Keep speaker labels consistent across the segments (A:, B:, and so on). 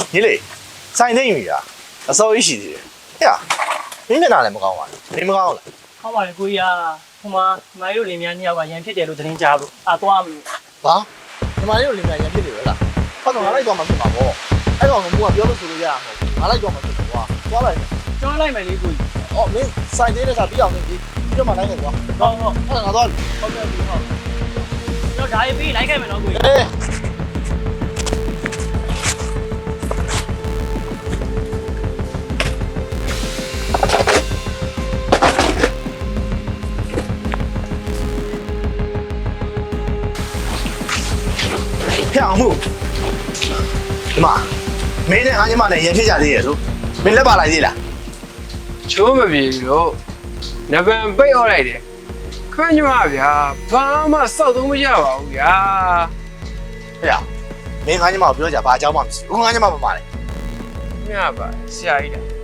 A: 你嘞，三天鱼啊，少一些的。哎呀，你们哪来没搞完？你们搞了？
B: ဟောပါလေကိုကြီးကဟိုမှာမိုင်းတို့လင်မြန်းနှစ်ယောက်ကရန်ဖြစ်တယ်လို့သတင်းကြားလို့သွားမလို့
A: 啊？你妈有里面人ဖြစ်တယ်လား။ဘာလို့ငါလိုက်တော့မှဖြစ်မှာပေါ့။အဲ့ကောင်ကမိုးကပြောလို့ဆိုလို့ရမှာ။ငါလိုက်တော့မှဖြစ်မှာ။သွားလိုက်
B: ကျွမ်းလိုက်မယ်လေကိုကြီး
A: ။အော်မင်းစိုက်သေးတဲ့ကပြီးအောင်နေပြီ။ပြီးတော့မှလိုက်နေကွာ
B: ဟုတ်ဟုတ်
A: ။အဲ့ဒါငါသွား
B: ဟုတ်ကဲ့ပြီဟုတ်ကျွန်တော်ဒါရေးပြီးလိုက်ခဲ့မယ်နော်ကိုကြီး
A: ။အေးဖျောက်မှုဒီမှာမင်းနဲ့အားညီမနဲ့ရင်ဖြစ်ကြသေးရဲ့ဆိုမင်းလက်ပါလိုက်သေးလား
C: ချိုးမပြေလို့နဗံပိတ်អော်လိုက်တယ်ခွင့်ညမဗျာဘာမှစောက်သုံးမရပါဘူးဗျာ
A: ဖျောက်မင်းအားညီမကိုပြောကြဘာအကြောင်းမှမရှိဘူးငါညီမမမလဲ
C: ညပါဆရာကြီးလားဟမ်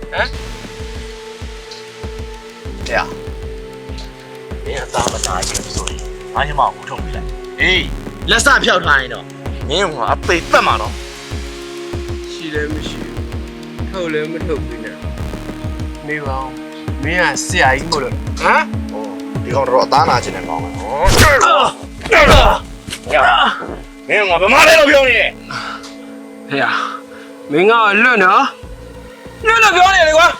A: ဖျောက်မင်းအသားမနာရင်ဆိုရင်အားညီမကိုထုတ်ပြလိုက်အေးလက်စဖျောက်ထားရင်တော့မင်းကအပေပတ်မှာတော့
C: ရှိလည်းမရှိဘူးထုတ်လည်းမထုတ်ဘူးနဲ့မေးပါဦးမင်းကဆရာကြီးမို့လို့ဟမ်
A: ဟိုဒီကောင်တော့အသားနာခြင်းနဲ့ကောင်းတယ်ဟောမင်းကဘာမှလည်းတော့ပြောနေတယ်
C: ဟဲ့မင်းကလွတ်နော်လွတ်လို့ပြောနေလေကွာ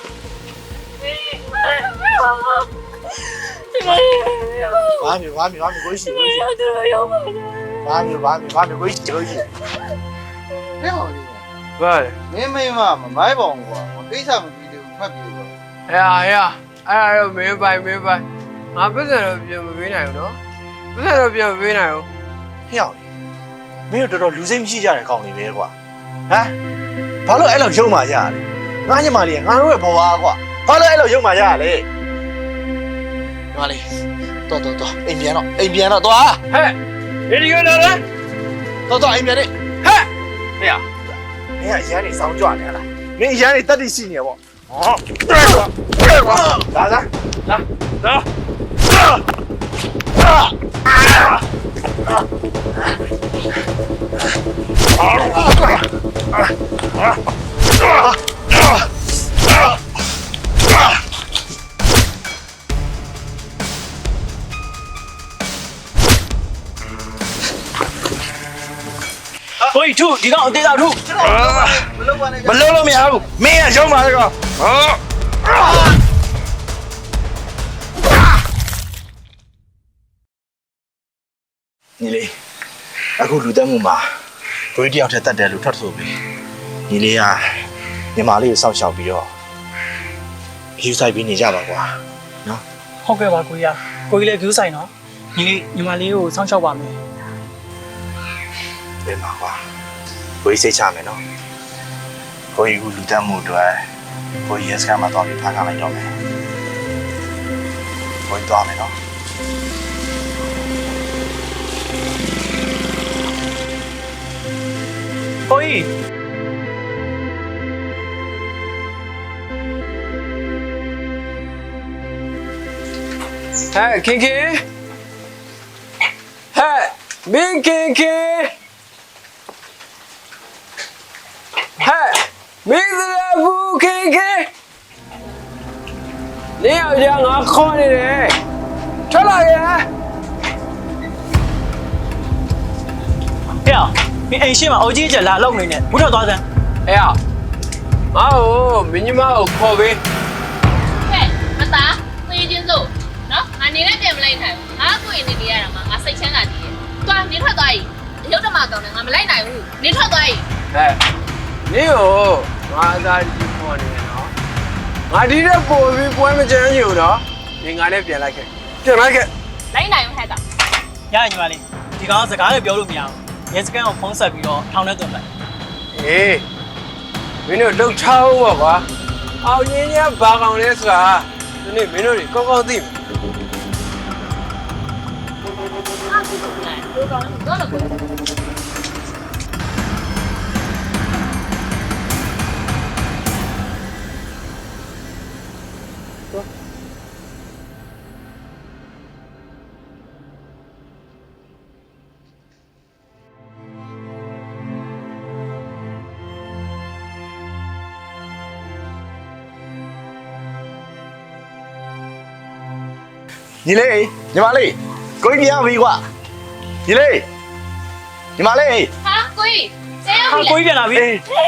A: ဘာမျိုးကိုရှိကိုရှိဘာမျိုးကိုရှိကိုရှိ
D: 没好的，
C: ဘာလဲ
D: 没嘛，买房过，我给啥么比的，快比的。
C: ဟဲ့အဲ့တော့မင်းပိုင်ငါပတ်စံတော့ပြန်မပေးနိုင်ဘူးနော်ပတ်စံတော့ပြန်မပေးနိုင်ဘူး
A: ဖျောက်မင်းတို့တော်တော်လူစိတ်မရှိကြတဲ့ကောင်တွေပဲကွာဟမ်ဘာလို့အဲ့လိုရုံမာကြရလဲငါညီမလေးငါတို့ရဲ့ဘဝကွာဘာလို့အဲ့လိုရုံမာကြရလဲညီမလေးတော်အိမ်ပြန်တော့သွား
C: ဟဲ့ဒီကလာလား
A: တော်အိမ်ပြန်နေ
C: ဟဲ့
A: ဖျောက်မင်းကအရန်နေစောင်းကြွနေလားမင်းအရန်နေတက်တိရှိနေပေါ့ဟောလာလာ
B: ကိုကြီးထုဒီကောင်အသေးသားထု
A: မလုံးလို့မရဘူးမင်းကရုံပါလေကောင်ညီလေးအခုလူတက်မှုမှာကိုကြီးတယောက်ထက်တက်တယ်လို့ထွက်ဆိုပြီညီလေးကညီမလေးကိုစောင့်ရှောက်ပြီးတော့ယူဆိုင်ပြီးနေကြပါကွာနော်
B: ဟုတ်ကဲ့ပါကိုကြီးကိုကြီးလည်း view ဆိုင်နော်ညီမလေးကိုစောင့်ရှောက်ပါမယ်
A: ပြန်ပါကွာကိုကြီးစိတ်ချမယ်နော်ကိုကြီးကလူတက်မှုအတွက်ကိုကြီးရဲ့စကားမှာတော့ပြီးဖန်ခံလိုက်တော့မယ်ကိုကြီးသွားမယ်နော်
B: ကိုကြီး
C: ဟဲ့ခင်ဟဲ့မင်းခင်ဟဲ့မင်းစရာဘူးခင်နေအောင်ကြငါခေါ်နေတယ်ထွက်လာရဲ့
B: ဟဲ့မင်းအိမ်ရှိမှာအုတ်ကြီးကျလာလောက်နေနဲ့ဘူးထောက်သွားစမ်း
C: အဲ့ငါ့ကိုမင်းညီမကိုခေါ်ပေး
E: ဟဲ့မသားသွေးချင်းစို့နော်ငါနေနဲ့ပြန်မလိုက်နိုင်ဘူးငါကိုရင်နေနေရတာမှငါစိတ်ချမ်းသာတည်တယ်တွားနေထွက်သွားပြီအယုတ်တမကောင်နဲ့ငါမလိုက်နိုင်ဘူးနေထွက်သွားပြီ
C: ဟဲ့နေကိုငါသားကြီးခေါ်နေတယ်နော်ငါဒီတဲ့ပို့ပြီးပွဲမကြမ်းချင်ဘူးနော်နေငါနဲ့ပြန်လိုက်ခဲ့
E: လိုက်နိုင်ဘူးဟဲ့ကောင်
B: ရညီမလေးဒီကောင်စကားလည်းပြောလို့မရဘူးရဲစကန်ကိုဖုန်းဆက်ပြီးတော့ထောင်ထဲသွင်းလိုက်
C: အေးမင်းတို့လှုပ်ချောင်းပါကွာအောင်ရင်းရဘာကောင်လဲဆိုတာဒီနေ့မင်းတို့ကောင်းကောင်းသိမယ်
E: ငါ့ကိုလိုက်တို့ကောင်တော့လည်းကို
A: ညီလေးညီမလေးကိုကြီးပြန်ပြီကွာညီလေးညီမလေး
E: ဟာကိုကြီးဆဲရောက်
B: ဟာ
E: ပြီ
B: ကိုကြီးပြန်လာပြီ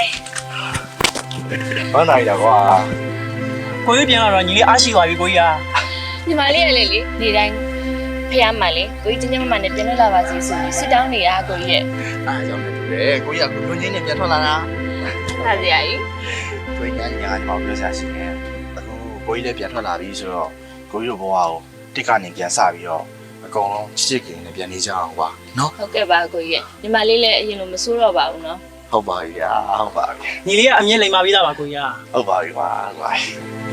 A: ဘာနိုင်တာကွာ
B: ကိုကြီးပြန်လာတော့ညီလေးအားရှိသွားပြီကိုကြီးอ่ะ
E: ညီမလေးရလေလေနေတိုင်းဖះမှန်လေကိုကြီးချင်းချင်းမမှန်နဲ့ပြန်လာပါစီဆိုပြီးစစ်တောင်းနေရကိုကြီးရဲ့
A: အားကြောင့်လည်းတူတယ်ကိုကြီးကကိုညင်းနဲ့ပြန်ထွက်လာတာ
E: ဟာစရာကြီး
A: ကိုကြီးညာညီမပြောစားရှိတယ်အခုကိုကြီးလည်းပြန်ထွက်လာပြီဆိုတော့ကိုကြီးတို့ဘဝကိုတစ်ကနေပြန်စပြီးတော့အကုန်လုံးချစ်ချစ်ခင်နဲ့ပြန်နေကြအောင်ကွာနော်
E: ဟုတ်ကဲ့ပါကိုကြီးရဲ့ညီမလေးလည်းအရင်လိုမဆိုးတော့ပါဘူးနော်
A: ဟုတ်ပါပြီဟုတ်ပါပြီ
B: ညီလေးကအမြင်လိမ်မာပြီးသားပါကိုကြီးอ่ะ
A: ဟုတ်ပါပြီကွာ